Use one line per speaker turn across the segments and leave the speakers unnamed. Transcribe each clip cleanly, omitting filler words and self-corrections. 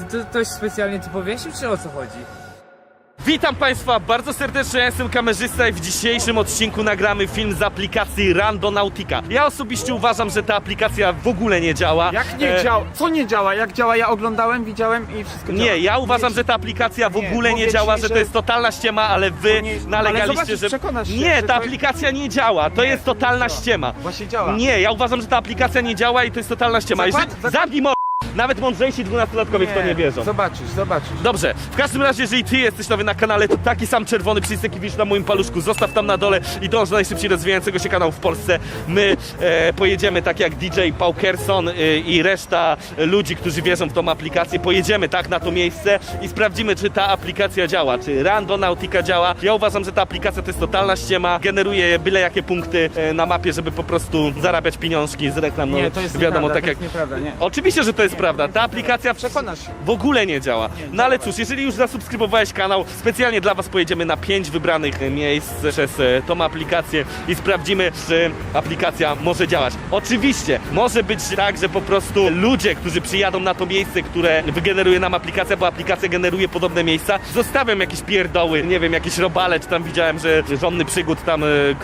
To ktoś specjalnie tu powiesił, czy o co chodzi?
Witam Państwa bardzo serdecznie, ja jestem kamerzysta i w dzisiejszym odcinku nagramy film z aplikacji Randonautica. Ja osobiście uważam, że ta aplikacja w ogóle nie działa.
Jak nie działa? Co nie działa? Jak działa? Ja oglądałem, widziałem i wszystko działa.
Nie, ja uważam, że ta aplikacja w ogóle nie
powiedz
działa,
mi,
że to
że-
jest totalna ściema, ale wy nalegaliście,
ale zobaczysz,
że...
przekonasz się,
Nie,
że
ta
to-
aplikacja nie działa, to
Nie,
jest totalna
działa.
ściema.
Właśnie działa.
Nie, ja uważam, że ta aplikacja nie działa i to jest totalna ściema.
Zakład-
Zamknij nawet mądrzejsi 12-latkowie w to nie wierzą.
Zobaczysz.
Dobrze, w każdym razie, jeżeli ty jesteś nowy na kanale, to taki sam czerwony przycisk, jaki widzisz na moim paluszku, zostaw tam na dole i dąż do najszybciej rozwijającego się kanału w Polsce. My pojedziemy tak jak DJ Paukerson i reszta ludzi, którzy wierzą w tą aplikację. Pojedziemy tak na to miejsce i sprawdzimy, czy ta aplikacja działa, czy Randonautica działa. Ja uważam, że ta aplikacja to jest totalna ściema, generuje byle jakie punkty na mapie, żeby po prostu zarabiać pieniążki z reklam. No,
Nie, to jest
wiadomo,
nieprawda,
tak
to
jak...
jest nieprawda, nie.
Oczywiście, że to jest prawda. Ta aplikacja
Przekonasz się.
w ogóle nie działa. No ale cóż, jeżeli już zasubskrybowałeś kanał, specjalnie dla was pojedziemy na 5 wybranych miejsc przez tą aplikację i sprawdzimy, czy aplikacja może działać. Oczywiście, może być tak, że po prostu ludzie, którzy przyjadą na to miejsce, które wygeneruje nam aplikacja, bo aplikacja generuje podobne miejsca, zostawiam jakieś pierdoły, nie wiem, jakieś robale, czy tam widziałem, że Żonny Przygód tam,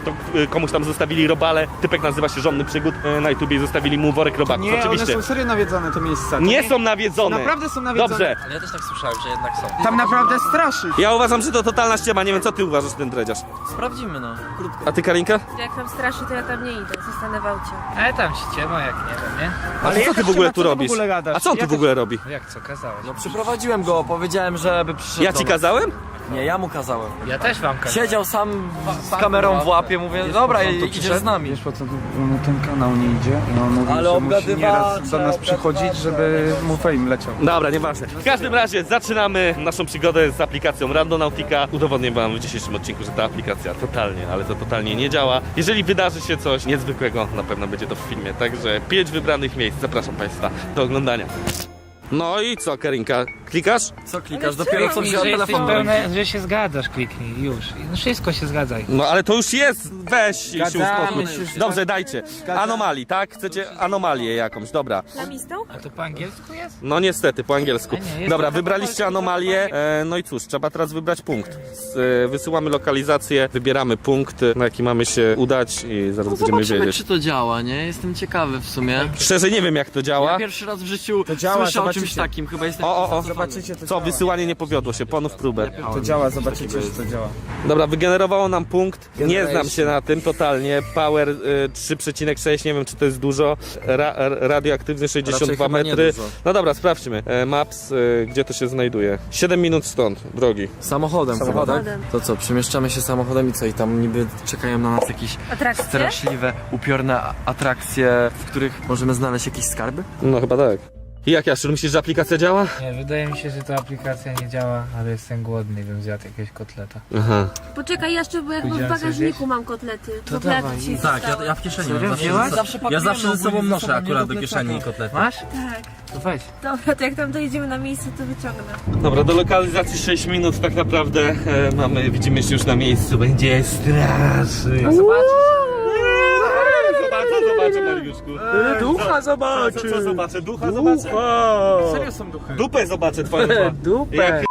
komuś tam zostawili robale, typek nazywa się Żonny Przygód, na YouTubie i zostawili mu worek robaków.
Nie,
Oczywiście.
one są serio nawiedzone te miejsca. To
Nie są nawiedzone.
Naprawdę są nawiedzone.
Dobrze.
Ale ja też tak słyszałem, że jednak są.
Tam naprawdę straszy.
Ja uważam, że to totalna ściema. Nie wiem, co ty uważasz, ten dredziarz.
Sprawdzimy, no. Krótko.
A ty, Karinka?
Jak tam straszy, to ja tam nie idę, zostanę w aucie.
Ale tam ściema, jak nie wiem, nie?
A co ty w ogóle tu robisz? A co on tu w ogóle robi?
Jak co, kazałeś?
No przyprowadziłem go, powiedziałem, żeby przyszedł
Ja
do
ci
nas.
kazałem?
Nie, ja mu kazałem.
Ja też wam kazałem.
Siedział sam z kamerą w łapie, mówię, dobra, idziesz z nami.
Wiesz po co mu ten kanał nie idzie? I on mówi,
Ale
że musi
obgadywacze,
nieraz do nas przychodzić, żeby mu fame leciał.
Dobra, nieważne. W każdym razie zaczynamy naszą przygodę z aplikacją Randonautica. Udowodnię wam w dzisiejszym odcinku, że ta aplikacja totalnie, ale to totalnie nie działa. Jeżeli wydarzy się coś niezwykłego, na pewno będzie to w filmie. Także 5 wybranych miejsc. Zapraszam państwa do oglądania. No i co, Karinka? Klikasz?
Co klikasz? Dopiero co wziąłem telefon.
że się zgadzasz, kliknij już. No wszystko się zgadzaj.
No ale to już jest. Weź się uspokój.
się.
Dobrze, dajcie. Anomalii, tak? Chcecie anomalię jakąś, dobra.
Lamistą?
A to po angielsku jest?
No niestety, po angielsku.
A nie, jest
Dobra,
to-
wybraliście anomalię. No i cóż, trzeba teraz wybrać punkt. Wysyłamy lokalizację, wybieramy punkt, na jaki mamy się udać i zaraz będziemy
Zobaczymy,
wiedzieć.
czy to działa, nie? Jestem ciekawy w sumie.
Szczerze nie wiem, jak to działa.
Ja pierwszy raz w życiu
działa,
słyszę o czymś
zobaczycie.
takim, chyba jestem...
O.
Zobaczycie, to
Co,
działa.
wysyłanie nie powiodło się, ponów próbę.
To działa, zobaczycie, że to działa.
Dobra, wygenerowało nam punkt. Nie znam się na tym totalnie. Power 3,6, nie wiem, czy to jest dużo. Radioaktywny 62
chyba nie
metry.
dużo.
No dobra, sprawdźmy. Maps, gdzie to się znajduje? 7 minut stąd, drogi.
Samochodem chyba, tak?
Samochodem.
To co, przemieszczamy się samochodem i co? I tam niby czekają na nas jakieś
Atrakcje?
straszliwe, upiorne atrakcje, w których możemy znaleźć jakieś skarby?
No chyba tak. I jak, Jaszczur, myślisz, że aplikacja działa?
Nie, wydaje mi się, że ta aplikacja nie działa, ale jestem głodny, bym zjadł jakiegoś kotleta.
Aha.
Poczekaj jeszcze, bo ja chyba w
Pójdziemy
bagażniku mam kotlety.
To
Kotlety
dawaj.
ci
Tak,
zostały.
ja w kieszeni
Serio?
mam.
Wzięłaś?
Ja zawsze ze sobą noszę
sobą
akurat do
nie
kieszeni kotlety.
Masz?
Tak.
To weź.
Dobra, to jak tam dojedziemy na miejsce, to wyciągnę.
Dobra, do lokalizacji 6 minut tak naprawdę mamy, widzimy się już na miejscu. Będzie strasznie. Zobaczę, Mariuszku.
Ducha zobaczy!
Co zobaczę? Ducha zobaczę?
Serio są duchy.
Dupę zobaczę twoją.
Dupę!
Jak-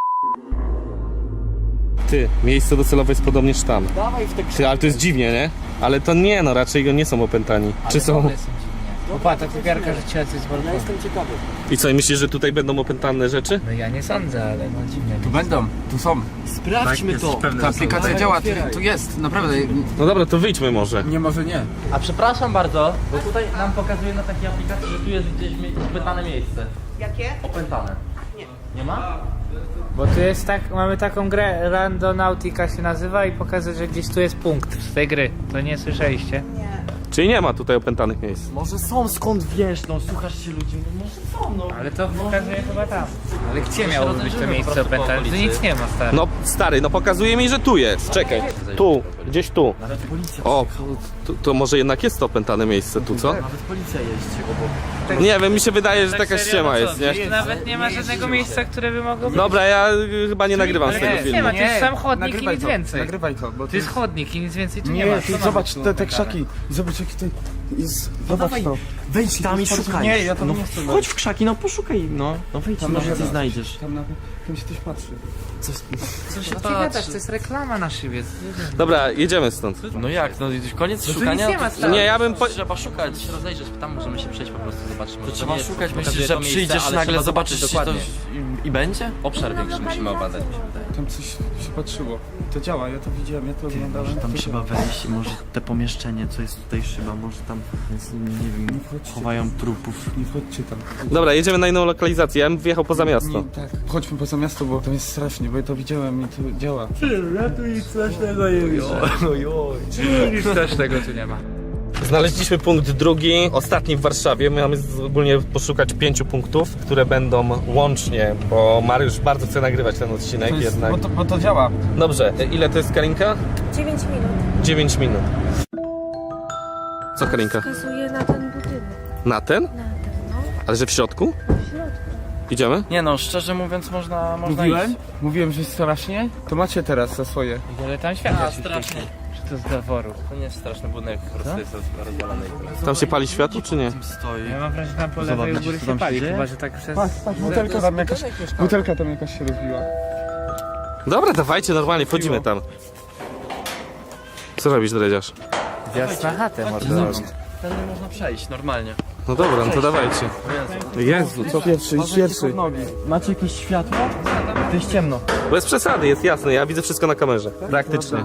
Ty, miejsce docelowe jest podobnież tam. Ty, ale to jest dziwnie, nie? Ale to nie, no raczej go nie są opętani. Czy są?
Są dziwnie. Opa, ta kupiarka rzuciła coś z balkonu.
I co, i myślisz, że tutaj będą opętane rzeczy?
No ja nie sądzę, ale no dziwne.
Tu będą, tu są.
Sprawdźmy to!
Ta aplikacja działa, tu jest, naprawdę.
No dobra, to wyjdźmy może.
Nie, może nie.
A przepraszam bardzo, bo tutaj nam pokazuje na takiej aplikacji, że tu jest gdzieś opętane miejsce.
Jakie?
Opętane. Nie ma?
Bo tu jest tak, mamy taką grę, Randonautica się nazywa i pokazuje, że gdzieś tu jest punkt z tej gry. To nie słyszeliście?
Czyli nie ma tutaj opętanych miejsc.
Może są, skąd wiesz, no słuchasz się ludzi, może są, no.
Ale to pokazuje chyba tam. Ale gdzie
się
miało być to
rozejrzymy
miejsce
po prostu po
opętane? Tu
okolicy.
nic nie ma, stary.
No stary, no pokazuje mi, że tu jest. Czekaj. Tu, gdzieś tu.
Nawet policja
O,
przyjechała,
to może jednak jest to opętane miejsce tu, co?
nawet policja jeździ obok.
Nie wiem, mi się wydaje, że taka
serio,
ściema
no co,
jest, nie?
gdzieś nawet nie ma żadnego miejsca, które by mogło być.
Dobra, ja chyba nie nagrywam z
Ale
tego
nie,
filmu.
nie ma, to jest sam chodnik i
nagrywaj
nic
to,
więcej.
Nagrywaj to, bo
To jest chodnik i nic więcej tu nie ma.
Nie,
Co
ty
ma
zobacz
być tu
te
opętane?
krzaki. Zobacz jaki to jest. Zobacz
dawaj.
to.
Wejdź tam i szukaj.
Nie, ja tam
no,
nie chcę.
chodź w krzaki, no poszukaj, no. No wejdź,
Tam
może
na
coś
pewno.
znajdziesz.
Tam się ktoś patrzy.
Co się
No ty gadasz, to jest reklama na szybie.
Dobra, jedziemy stąd.
No jak, no koniec
tu
szukania?
nic nie ma stary.
Nie, ja bym...
Trzeba szukać.
Się rozejrzeć, tam możemy się przejść po prostu, zobaczyć. Może
To trzeba
nie jest-
szukać,
pokazuje
myślisz,
to
że
miejsce,
przyjdziesz
ale
nagle,
trzeba
zobaczysz
zobaczyć
to
dokładnie.
i będzie?
Obszar większy musimy obadać, mi się wydaje.
Tam coś się patrzyło. To działa, ja to widziałem, ja to oglądałem.
Tam
to
trzeba
działa.
wejść i może te pomieszczenie, co jest tutaj szyba, może tam, jest, nie wiem,
wchodźcie.
chowają trupów.
Nie wchodźcie tam.
Dobra, jedziemy na inną lokalizację, ja bym wyjechał poza miasto.
Nie, tak. Chodźmy poza miasto, bo tam jest strasznie, bo ja to widziałem i to działa.
Nic też tego tu nie ma.
Znaleźliśmy punkt drugi, ostatni w Warszawie. My mamy ogólnie poszukać 5 punktów, które będą łącznie, bo Mariusz bardzo chce nagrywać ten odcinek
To jest,
jednak.
bo to działa.
Dobrze, ile to jest Karinka?
9 minut.
9 minut. Co Karinka?
Wskazuje na ten budynek.
Na ten?
Na ten, no.
Ale że w środku?
W środku.
Idziemy?
Nie no, szczerze mówiąc można
Mówiłem?
iść.
Mówiłem, że jest strasznie? To macie teraz za swoje.
Ale tam światło
A,
się
strasznie.
świeci. Czy to z zaworu?
To nie jest straszny budynek, po prostu jest rozwalony.
Tam się pali światło, czy nie?
Stoi.
Ja mam wrażenie, że tam po
Zobacz,
lewej u góry
co
się
tam
pali,
się dzieje?
chyba że tak przez...
Patrz, butelka tam jakaś się rozbiła.
Dobra, dawajcie, normalnie, wchodzimy tam. Co robisz, dredziarz?
Wjazd na chatę, mordo.
Tędy można przejść, normalnie.
No dobra, no to dawajcie. Jezu, co?
Pierwszy.
Macie jakieś światło? To jest ciemno.
Bez przesady, jest jasne, ja widzę wszystko na kamerze. Praktycznie.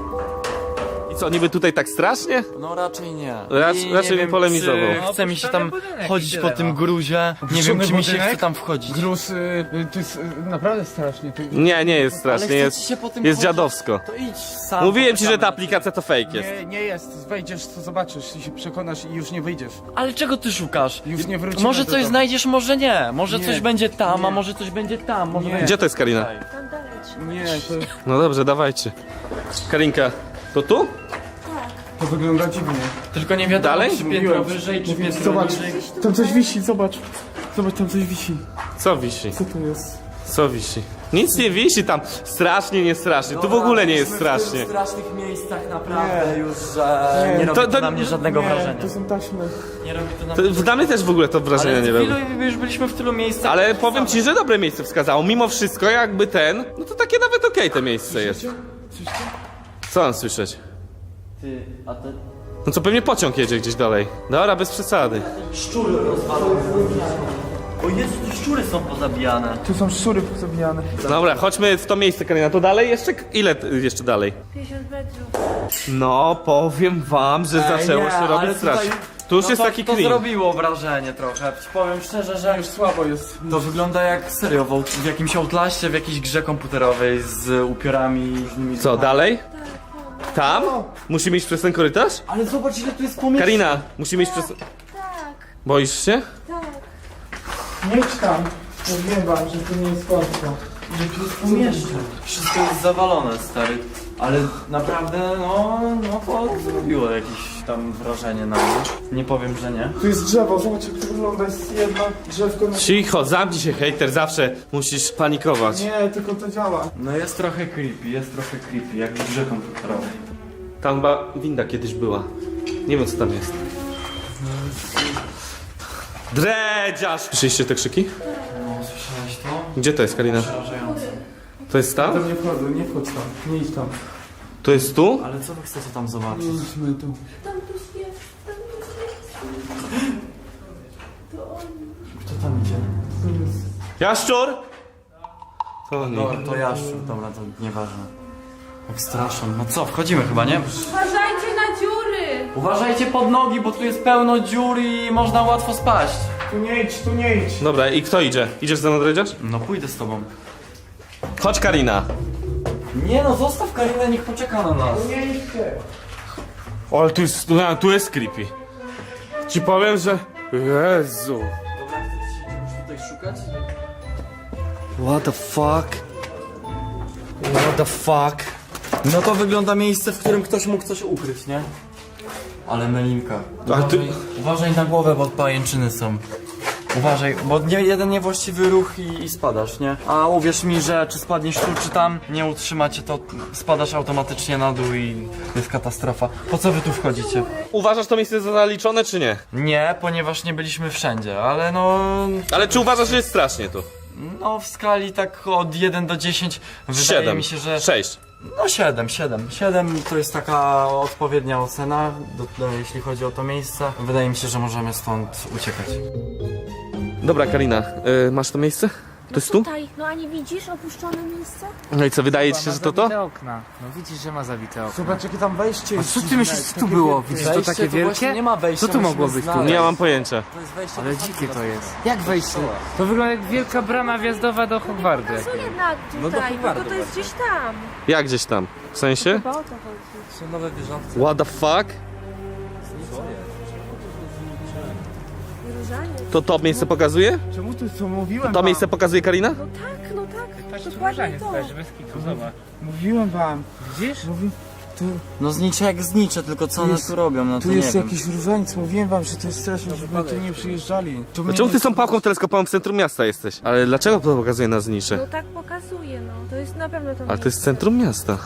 I co, niby tutaj tak strasznie?
No raczej nie.
Raczej nie
wiem,
polemizował.
czy chce mi się tam
budynek
chodzić
i
po
tyle,
tym
no.
gruzie. Nie wiem,
Opuszczony
czy mi się
budynek?
chce tam wchodzić.
Gruz, to jest naprawdę strasznie.
Nie, nie jest
Ale
strasznie,
chce
jest,
ci się po tym
jest
chodzić?
dziadowsko.
To idź sam.
Mówiłem ci, że ta
poczekamy.
aplikacja to fake jest.
Nie jest. Wejdziesz, to zobaczysz i się przekonasz i już nie wyjdziesz.
Ale czego ty szukasz?
Już nie wrócimy
Może
do
coś
domu.
znajdziesz, może nie. Może
Nie.
coś będzie tam, a
Nie.
może coś będzie tam. Może
Nie.
będzie...
Gdzie to jest Karina?
Tam dalej trzeba.
Nie, to,
No dobrze, dawajcie. Karinka, to tu?
to wygląda dziwnie.
Tylko nie wiadomo,
Dalej?
czy piętro wyżej, czy piętro
Zobacz,
niżej.
tam coś wisi, zobacz. Zobacz, tam coś wisi.
Co wisi?
Co to jest?
Co wisi? Nic nie wisi tam. Strasznie, nie strasznie. Tu w ogóle nie jest strasznie.
W strasznych miejscach naprawdę już, że nie robi
To-
to,
to-
na mnie żadnego wrażenia.
To są taśmy.
Nie robi to na
To,
mnie
dla mnie też w ogóle to wrażenia nie robi.
już byliśmy w tylu miejscach.
Ale powiem ci, że dobre miejsce wskazało. Mimo wszystko, jakby ten, no to takie nawet okej to miejsce jest. Co mam słyszeć?
Ty, a te
No co, pewnie pociąg jedzie gdzieś dalej. Dobra, bez przesady.
szczury rozwalone. O Jezu, tu szczury są pozabijane.
Tu są szczury pozabijane.
Dobra, chodźmy w to miejsce, Karina. To dalej jeszcze? Ile jeszcze dalej?
50 metrów.
No, powiem wam, że zaczęło
nie,
się
ale
robić
tutaj-
strasznie. Tu już
No
jest
to,
taki
to
clean.
zrobiło wrażenie trochę. Ci powiem szczerze, że
Już słabo jest.
to wygląda jak serio w jakimś Outlaście, w jakiejś grze komputerowej z upiorami różnymi.
Co, dalej? Tam? Musimy iść przez ten korytarz?
Ale zobacz ile tu jest pomieszczeń.
Karina, musimy iść przez...
Tak,
Boisz się?
tak.
Nie idź tam. Mówiłem wam, że to nie jest końca.
Pomieszczeń. Wszystko jest zawalone, stary. Ale naprawdę, no to zrobiło jakieś tam wrażenie na mnie. Nie powiem, że nie.
Tu jest drzewo, zobacz jak to wygląda. Jest jedno drzewko na...
Cicho, zamknij się, hejter, zawsze musisz panikować.
Nie, tylko to działa.
No jest trochę creepy, jak w grze komputerowej.
Tam chyba winda kiedyś była. Nie wiem, co tam jest. Dredziarz! Słyszeliście te krzyki?
No, słyszałeś to?
Gdzie to jest, Karina?
Przerażające.
To jest tam?
Tam nie wchodzę, nie wchodź tam. Nie idź tam.
To jest tu?
Ale co wy chcecie tam zobaczyć?
Nie idźmy tu.
Tam ktoś jest, tam ktoś jest.
Kto tam idzie?
Jaszczur? To nie.
Dobra, to jaszczur, dobra, to nieważne. Jak straszą. No co, wchodzimy chyba, nie?
Uważajcie na dziury!
Uważajcie pod nogi, bo tu jest pełno dziur i można łatwo spaść.
Tu nie idź, tu nie idź.
Dobra, i kto idzie? Idziesz ze mną, Dredziarz?
No pójdę z tobą.
Chodź, Karina.
Nie no, zostaw Karinę, niech poczeka na nas.
Nie idźcie.
O, ale tu jest creepy. Ci powiem, że... Jezu.
Dobra, chcesz tutaj szukać?
What the fuck? What the fuck?
No to wygląda miejsce, w którym ktoś mógł coś ukryć, nie? Ale Melinka.
A ty-
Uważaj na głowę, bo pajęczyny są. Uważaj, bo jeden niewłaściwy ruch i spadasz, nie? A uwierz mi, że czy spadniesz tu, czy tam, nie utrzymacie, to spadasz automatycznie na dół i jest katastrofa. Po co wy tu wchodzicie?
Uważasz to miejsce za zaliczone, czy nie?
Nie, ponieważ nie byliśmy wszędzie, ale no...
Ale czy uważasz, że jest strasznie tu?
No w skali tak od 1 do 10 wydaje
7,
mi się, że...
6.
No 7 to jest taka odpowiednia ocena, jeśli chodzi o to miejsce. Wydaje mi się, że możemy stąd uciekać.
Dobra, Karina, masz to miejsce? To jest tu?
Tutaj, no a nie widzisz opuszczone miejsce?
No i co, wydaje ci się,
Ma
że to to?
zabite okna. No widzisz, że ma zabite okna.
Zobacz jakie tam wejście.
A co ty myślisz, co tu było? Widzisz to
Wejście
takie
to właśnie
wielkie?
nie ma wejścia,
Co tu mogło
musimy
być tu?
znaleźć.
Nie mam pojęcia.
To jest wejście
Ale
do
dzikie to
samego
jest. Jak wejście? To wygląda jak wielka brama wjazdowa do Hogwartu.
Co jednak tutaj, tylko to jest gdzieś tam.
Jak gdzieś tam? W sensie?
Chyba o to chodzi.
Są nowe wieżowce.
What the fuck?
Różanie.
To miejsce pokazuje?
Czemu tu co mówiłem
To
wam?
miejsce pokazuje Karina?
No tak, no tak.
Patrz,
Dokładnie
różaniec,
to.
patrz, bez kitu, zobacz.
Mówiłem wam.
Widzisz?
No znicze jak znicze, tylko co one
jest-
tu robią, no to
Tu
nie
jest
wiem.
jakiś różaniec, mówiłem wam, że to jest straszne, żeby tu nie przyjeżdżali. Tu mnie
Czemu
nie-
ty z tą pałką teleskopową w centrum miasta jesteś? Ale dlaczego to pokazuje na znicze?
No tak pokazuje, no. To jest na pewno to
Ale to jest
miejsce.
centrum miasta.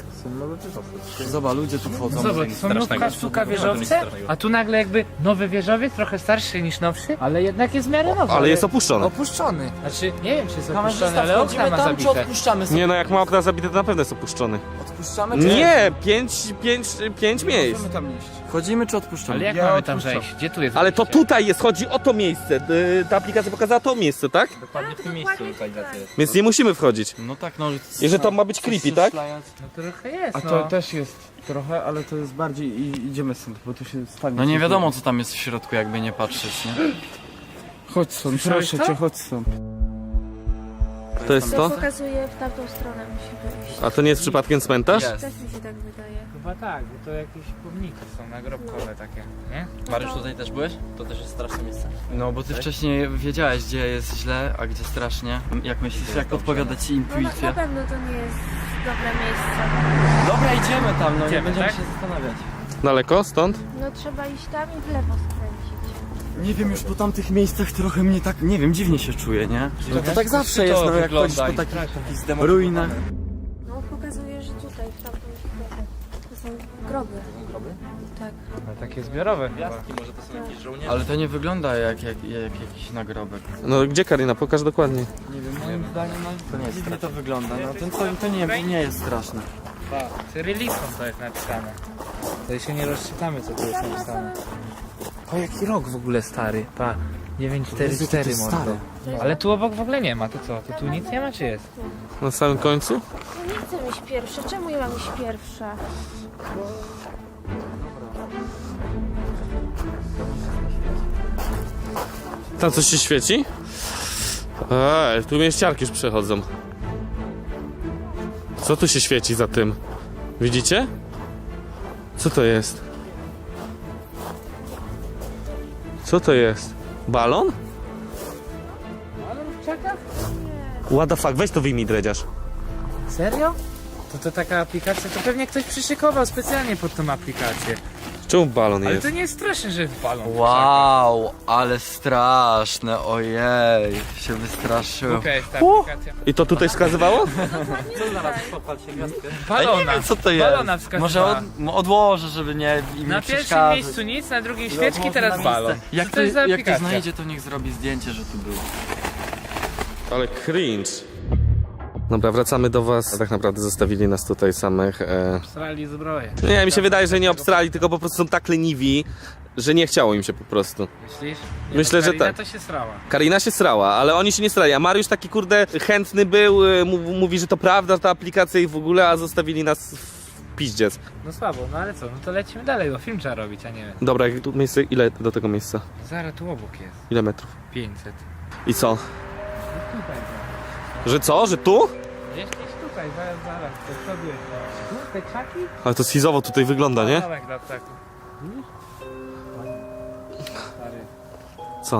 Zobacz, ludzie tu wchodzą.
Zobacz, są nówka sztuka wieżowce, a tu nagle jakby nowy wieżowiec, trochę starszy niż nowszy, ale jednak jest w miarę nowy.
Ale jest opuszczony.
Opuszczony. Znaczy, nie wiem czy jest
Kamerzysta,
opuszczony, ale okna
wchodzimy
ma
tam, czy
zabite.
odpuszczamy sobie?
Nie no, jak ma okna zabite, to na pewno jest opuszczony.
Odpuszczamy, czy
Nie, pięć miejsc.
Możemy tam iść.
Wchodzimy, czy odpuszczamy?
Ale jak
Ja
mamy tam
odpuszczam.
zejść? Gdzie tu jest
Ale to
wejście?
tutaj jest, chodzi o to miejsce. Ta aplikacja pokazała to miejsce, tak?
Dokładnie w tym
Tak,
miejscu
dokładnie
lokalizacja
tutaj.
jest.
Więc nie musimy wchodzić.
No tak, no...
I że to ma być creepy, tak?
No trochę jest,
A
no.
to też jest trochę, ale to jest bardziej i idziemy stąd, bo tu się stanie.
No nie wiadomo, co tam jest w środku, jakby nie patrzeć, nie?
Chodź stąd,
Słyszałeś
proszę
to?
cię, chodź stąd.
To jest
To
to?
pokazuje w tamtą stronę musimy iść.
A to nie jest przypadkiem cmentarz?
Jest.
Też mi się tak wydaje.
Chyba tak, bo to jakieś pomniki są nagrobkowe takie, nie?
Mariusz, tutaj też byłeś? To też jest straszne miejsce.
No bo ty wcześniej wiedziałeś, gdzie jest źle, a gdzie strasznie. Jak myślisz, jak podpowiada ci
No na
intuicja?
pewno to nie jest dobre miejsce.
Dobra, idziemy tam, no nie
Idziemy,
będziemy
tak?
się zastanawiać.
Daleko stąd?
No trzeba iść tam i w lewo skręcić.
Nie wiem, już po tamtych miejscach trochę mnie tak, nie wiem, dziwnie się czuję, nie? No to tak zawsze jest, no jak chodzisz po takich ruinach.
No pokazuje, że tutaj, w tamtą stronę. To są groby.
Groby?
Tak.
No takie zbiorowe chyba.
Gwiazdki, może to są jakieś żołnierze?
Ale to nie wygląda jak jakiś nagrobek.
No gdzie Karina? Pokaż dokładnie.
Nie wiem, moim zdaniem to nie dziwnie to wygląda, no to nie jest straszne.
Cyrylicą to jest napisane. To się nie rozczytamy co tu jest napisane. O jaki rok w ogóle stary, pa. 944 mordo. Ale tu obok w ogóle nie ma, to co? To tu nic nie ma czy jest?
Na samym końcu?
No nie chcę iść pierwsza. Czemu ja mam iść pierwsza?
Tam coś się świeci? Tu mieściarki już przechodzą. Co tu się świeci za tym? Widzicie? Co to jest? Co to jest? Balon?
Czeka?
What the fuck? Weź to wyjmij, dredziarz.
Serio? To taka aplikacja, to pewnie ktoś przyszykował specjalnie pod tą aplikację.
Czemu balon
Ale
jest?
to nie jest straszne, że jest balon.
Wow, ale straszne, ojej, się wystraszyłem.
Okej, ta aplikacja.
I to tutaj wskazywało?
Balona.
Co to jest?
Balona wskazywała.
Może odłożę, żeby nie im
Na
nie
pierwszym
przeszkadzać.
miejscu nic, na drugim świeczki, teraz balon.
Jak
to jest za
jak to
aplikacja?
znajdzie, to niech zrobi zdjęcie, że tu było.
Ale cringe. Dobra, wracamy do was. Tak naprawdę zostawili nas tutaj samych.
Strali zbroję.
Nie, mi się wydaje, że nie obstrali, tylko po prostu są tak leniwi, że nie chciało im się po prostu.
Myślisz?
Myślę, że
Karina
tak.
to się srała.
Karina się srała, ale oni się nie srali, a Mariusz taki kurde chętny był, mówi, że to prawda, ta aplikacja i w ogóle, a zostawili nas w piździec.
No słabo, no ale co, no to lecimy dalej, bo film trzeba robić, a nie...
Dobra, jak tu miejsce, ile do tego miejsca?
Zaraz tu obok jest.
Ile metrów?
500.
I co? Że co? Że tu?
Gdzieś tutaj, zaraz, to przodu jest. Tu, te krzaki?
Ale to schizowo tutaj wygląda, nie?
Domek dla ptaków. Widzisz? Stary.
Co?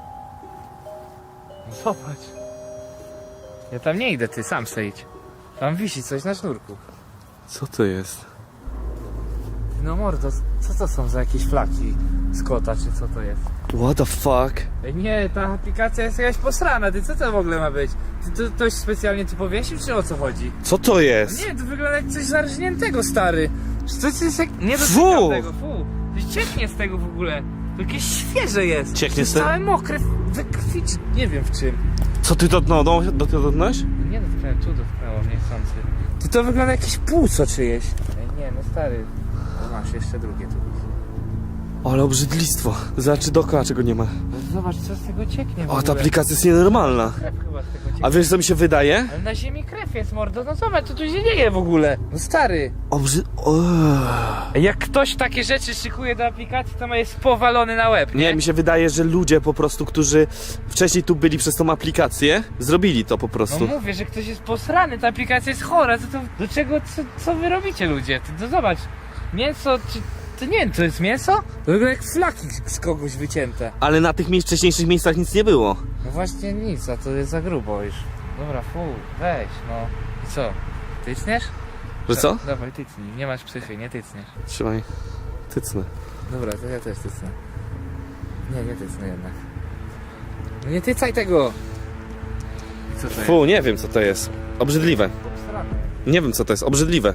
No zobacz. Ja tam nie idę, ty sam se idź. Tam wisi coś na sznurku.
Co to jest?
No mordo, co to są za jakieś flaki z kota, czy co to jest?
What the fuck?
Ej, nie, ta aplikacja jest jakaś posrana, ty co to w ogóle ma być? Ty to ktoś specjalnie tu powiesił, czy o co chodzi?
Co to jest?
Nie, to wygląda jak coś zarżniętego, stary. To jest jak... Nie
Fu!
dotykam tego, fu. To cieknie z tego w ogóle. To jakieś świeże jest.
Cieknie
To jest
z tego?
całe mokre, we krwi, czy nie wiem w czym.
Co ty dotknąłeś?
Nie dotknąłem, tu dotknęło mnie chcący. To wygląda jakieś płuco czyjeś. Ej, nie, no stary. O, masz jeszcze drugie tu.
Ale obrzydlistwo. Zobacz dookoła czego nie ma.
No zobacz, co z tego cieknie w
O,
ogóle.
ta aplikacja jest nienormalna.
Krew chyba z tego cieknie.
A wiesz co mi się wydaje?
Ale na ziemi krew jest, mordo. No zobacz, co tu się dzieje w ogóle. No stary. Jak ktoś takie rzeczy szykuje do aplikacji, to ma jest powalony na łeb,
Nie, mi się wydaje, że ludzie po prostu, którzy wcześniej tu byli przez tą aplikację, zrobili to po
No
prostu.
mówię, że ktoś jest posrany, ta aplikacja jest chora. Do czego, co wy robicie, ludzie? To zobacz, mięso, czy... To nie wiem, to jest mięso? To wygląda jak flaki z kogoś wycięte.
Ale na tych wcześniejszych miejscach nic nie było.
No właśnie nic, a to jest za grubo już. Dobra, weź, no. I co? Tycniesz?
Że co?
Dawaj, tycnij, nie masz psychy, nie tycniesz.
Trzymaj. Tycnę.
Dobra, to ja też tycnę. Nie tycnę jednak. No nie tycaj tego! I co to jest?
Fu, nie wiem co to jest. Obrzydliwe.
Obsrane.
Nie wiem co to jest. Obrzydliwe.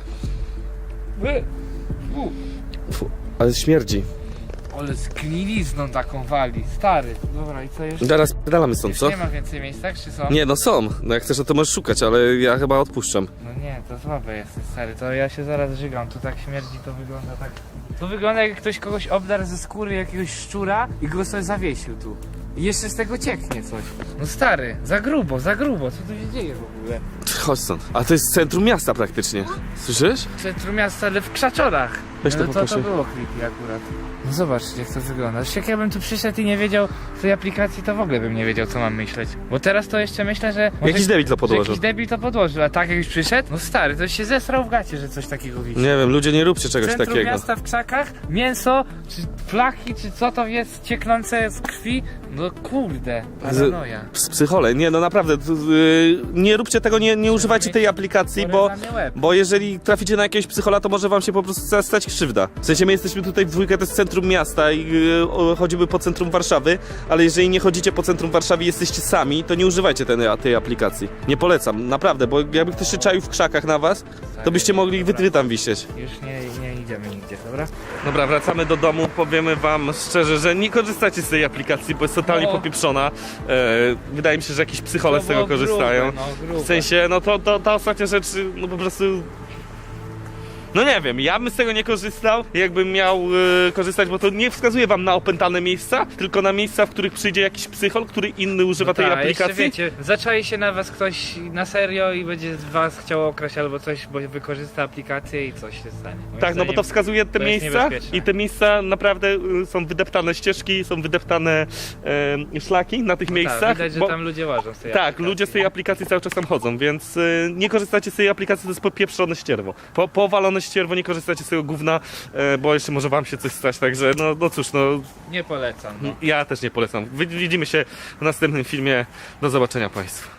Fu.
Fu, ale śmierdzi.
Ale z gnilizną taką wali, stary. Dobra, i co jeszcze?
Zaraz pedalamy stąd,
Już
co?
nie ma więcej miejsc, tak czy co?
Nie, no są. No jak chcesz, to możesz szukać, ale ja chyba odpuszczam.
No nie, to słabe jest, stary, to ja się zaraz żygam, tu tak śmierdzi, to wygląda tak... To wygląda jak ktoś kogoś obdarł ze skóry jakiegoś szczura i go sobie zawiesił tu. I jeszcze z tego cieknie coś. No stary, za grubo, co tu się dzieje w ogóle?
Chodź stąd. A to jest centrum miasta praktycznie. Słyszysz?
W centrum miasta, ale w krzaczorach.
Weź to
No to
poproszę.
było creepy akurat. No zobacz jak to wygląda. Jak ja bym tu przyszedł i nie wiedział tej aplikacji, to w ogóle bym nie wiedział co mam myśleć. Bo teraz to jeszcze myślę, że... może-
Jakiś debil to
że
podłożył.
Jakiś debil to podłożył, a tak jak już przyszedł? No stary, to się zesrał w gacie, że coś takiego wisi.
Nie wiem, ludzie nie róbcie czegoś
Centrum
takiego.
miasta w krzakach, mięso, czy flaki, czy co to jest cieknące z krwi? No kurde, paranoja.
Psychole, nie no naprawdę, nie róbcie tego, nie używajcie tej aplikacji, bo,
Porezany łeb.
bo jeżeli traficie na jakiegoś psychola, to może wam się po prostu stać krzywda. W sensie my jesteśmy tutaj w dwójkę, to jest centrum miasta i chodzimy po centrum Warszawy, ale jeżeli nie chodzicie po centrum Warszawy i jesteście sami, to nie używajcie tej aplikacji. Nie polecam, naprawdę, bo jakby ktoś się czaił w krzakach na was, to byście mogli wy tam wisieć.
Już nie idziemy nigdzie, dobra?
Dobra, wracamy do domu, powiemy wam szczerze, że nie korzystacie z tej aplikacji, bo jest totalnie
No.
popieprzona. Wydaje mi się, że jakieś psychole
To
z tego
było
korzystają.
grube, no, grube.
W sensie, no to ta ostatnia rzecz, no po prostu... No nie wiem, ja bym z tego nie korzystał, jakbym miał korzystać, bo to nie wskazuje wam na opętane miejsca, tylko na miejsca, w których przyjdzie jakiś psychol, który inny używa tej
Tak,
aplikacji.
jeszcze wiecie, zaczai się na was ktoś na serio i będzie z was chciał okraść albo coś, bo wykorzysta aplikację i coś się stanie. Moim
Tak, no bo to
zdaniem
wskazuje te
to jest
miejsca
niebezpieczne.
i te miejsca naprawdę są wydeptane ścieżki, są wydeptane szlaki na tych miejscach.
Tak, widać, że
bo-
tam ludzie łażą z tej
Tak,
aplikacji.
ludzie z tej aplikacji cały czas tam chodzą, więc nie korzystacie z tej aplikacji, to jest popieprzone ścierwo. Powalone ścierwo, nie korzystacie z tego gówna, bo jeszcze może wam się coś stać, także no cóż, no
Nie polecam, no.
ja też nie polecam. Widzimy się w następnym filmie, do zobaczenia państwu.